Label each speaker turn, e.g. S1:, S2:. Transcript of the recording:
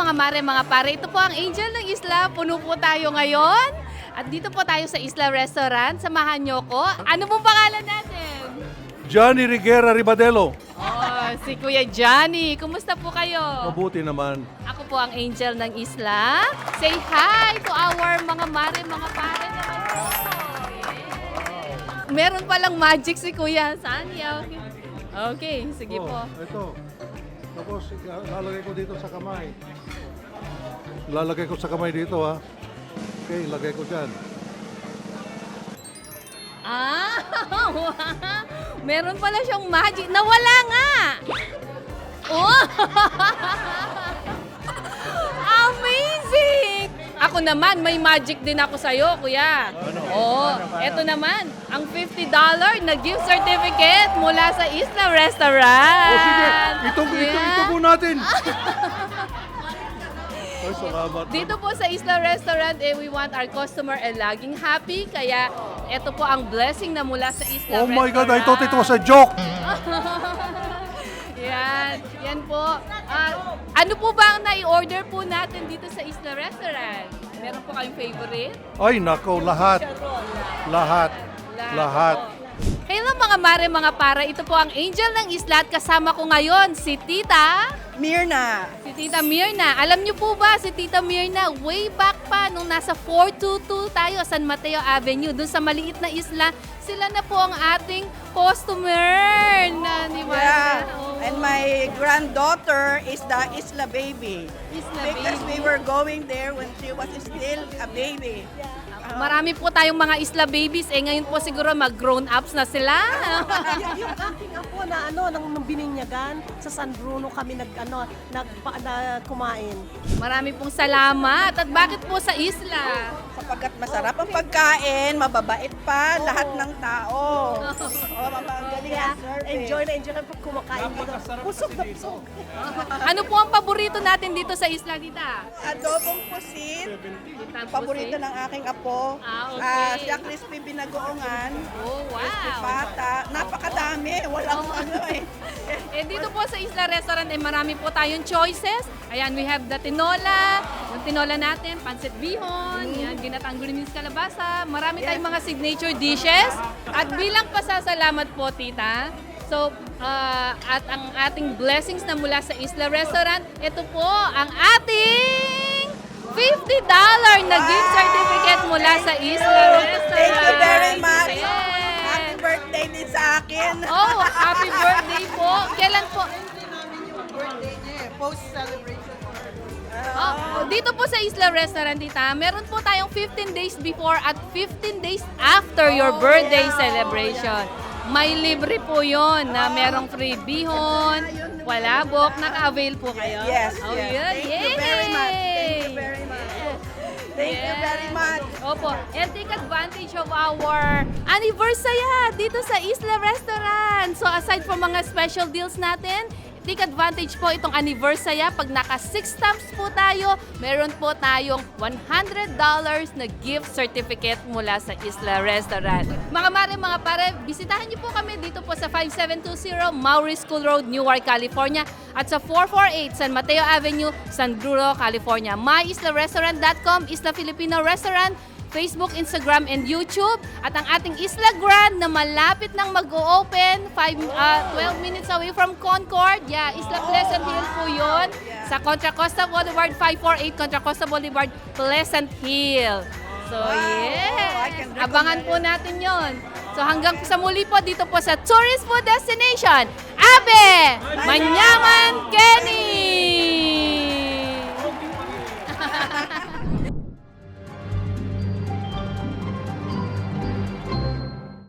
S1: mga mare, mga pare. Ito po ang Angel ng Isla. Puno po tayo ngayon. At dito po tayo sa Isla Restaurant. Samahan niyo ko. Ano pong pangalan natin?
S2: Johnny Riguera Ribadelo.
S1: Oh, si Kuya Johnny. Kumusta po kayo?
S2: Mabuti naman.
S1: Ako po ang Angel ng Isla. Say hi to our mga mare, mga pare naman po. Yeah. Meron palang magic si Kuya. Saan yan? Okay, sige po.
S2: Ito. Tapos lalagay ko dito sa kamay. Lalagay ko sa kamay dito ha. Okay, lagay ko dyan.
S1: Ah, wow. Meron pala siyang magic. Nawala nga. Oh! Amazing! Ako naman, may magic din ako sa'yo, kuya. Oh, eto naman, ang $50 na gift certificate mula sa Isla Restaurant.
S2: Oh, sige. Ito
S1: Yeah.
S2: po natin. Ay, salamat.
S1: Dito po sa Isla Restaurant, we want our customer laging happy. Kaya ito po ang blessing na mula sa Isla
S2: Oh
S1: Restaurant.
S2: my God, I thought it was a joke.
S1: Yan po. Ano po ba ang nai-order po natin dito sa Isla Restaurant? Meron po kayong favorite?
S2: Ay, nako, lahat. Lahat.
S1: Hello mga mare, mga para. Ito po ang Angel ng Isla at kasama ko ngayon si Tita.
S3: Mirna.
S1: Si Tita Mirna. Alam niyo po ba si Tita Mirna, way back pa nung nasa 422 tayo, San Mateo Avenue, dun sa maliit na isla, sila na po ang ating customer na ni Mirna.
S3: Yeah.
S1: Oo.
S3: And my granddaughter is the Isla baby.
S1: Isla
S3: Because
S1: baby.
S3: we were going there when she was still a baby.
S1: Marami po tayong mga isla babies. Ngayon po siguro mag-grown ups na sila.
S4: Yung aking apo na nang bininyagan sa San Bruno kami kumain.
S1: Marami pong salamat. At bakit po sa isla?
S3: Sapagkat masarap ang pagkain, mababait pa lahat ng tao. Oh, magaling
S4: Kaya
S3: ang service.
S4: enjoy na pag kumakain dito. Busog na busog.
S1: Ano po ang paborito natin dito sa isla, Tita?
S3: Adobong pusit. Paborito ng aking apo.
S1: Okay.
S3: Siya crispy binagoongan.
S1: Oh,
S3: Crispy
S1: wow.
S3: pata. Napakadami. Walang ano eh.
S1: Dito po sa Isla Restaurant marami po tayong choices. Ayan, we have the tinola. Yung tinola natin, pancit bihon, yan, ginatang green beans kalabasa. Marami tayong mga signature dishes. At bilang pasasalamat po, Tita, so, at ang ating blessings na mula sa Isla Restaurant, ito po ang ating $50 na gift certificate mula sa Isla Restaurant.
S3: Thank you very much.
S1: Yes.
S3: Happy birthday din sa akin.
S1: Oh, happy birthday po. Kailan po?
S3: Post-celebration.
S1: Oh, dito po sa Isla Restaurant, Tita, meron po tayong 15 days before at 15 days after your birthday celebration. May libre po yon na merong free bihon, palabok, naka-avail po kayo.
S3: Yes,
S1: Oh,
S3: yes.
S1: yun.
S3: Thank you very much. Thank you
S1: Yay!
S3: very much. Thank you very much.
S1: Opo, and take advantage of our anniversary dito sa Isla Restaurant. So aside from mga special deals natin, take advantage po itong anniversary. Pag naka 6 stamps po tayo, meron po tayong $100 na gift certificate mula sa Isla Restaurant. Mga mare, mga pare, bisitahan niyo po kami dito po sa 5720 Maury School Road, Newark, California at sa 448 San Mateo Avenue, San Bruno, California. MyIslaRestaurant.com, Isla Filipino Restaurant, Facebook, Instagram, and YouTube. At ang ating Isla Grand na malapit nang mag-o-open, 12 minutes away from Concord. Yeah, Isla Pleasant Hill po yun. Sa Contra Costa Boulevard, 548 Contra Costa Boulevard, Pleasant Hill. So,
S3: I
S1: yes.
S3: can
S1: Abangan po natin yon. So, hanggang sa muli po dito po sa Tourist Food Destination, Abe Manyaman Kenny!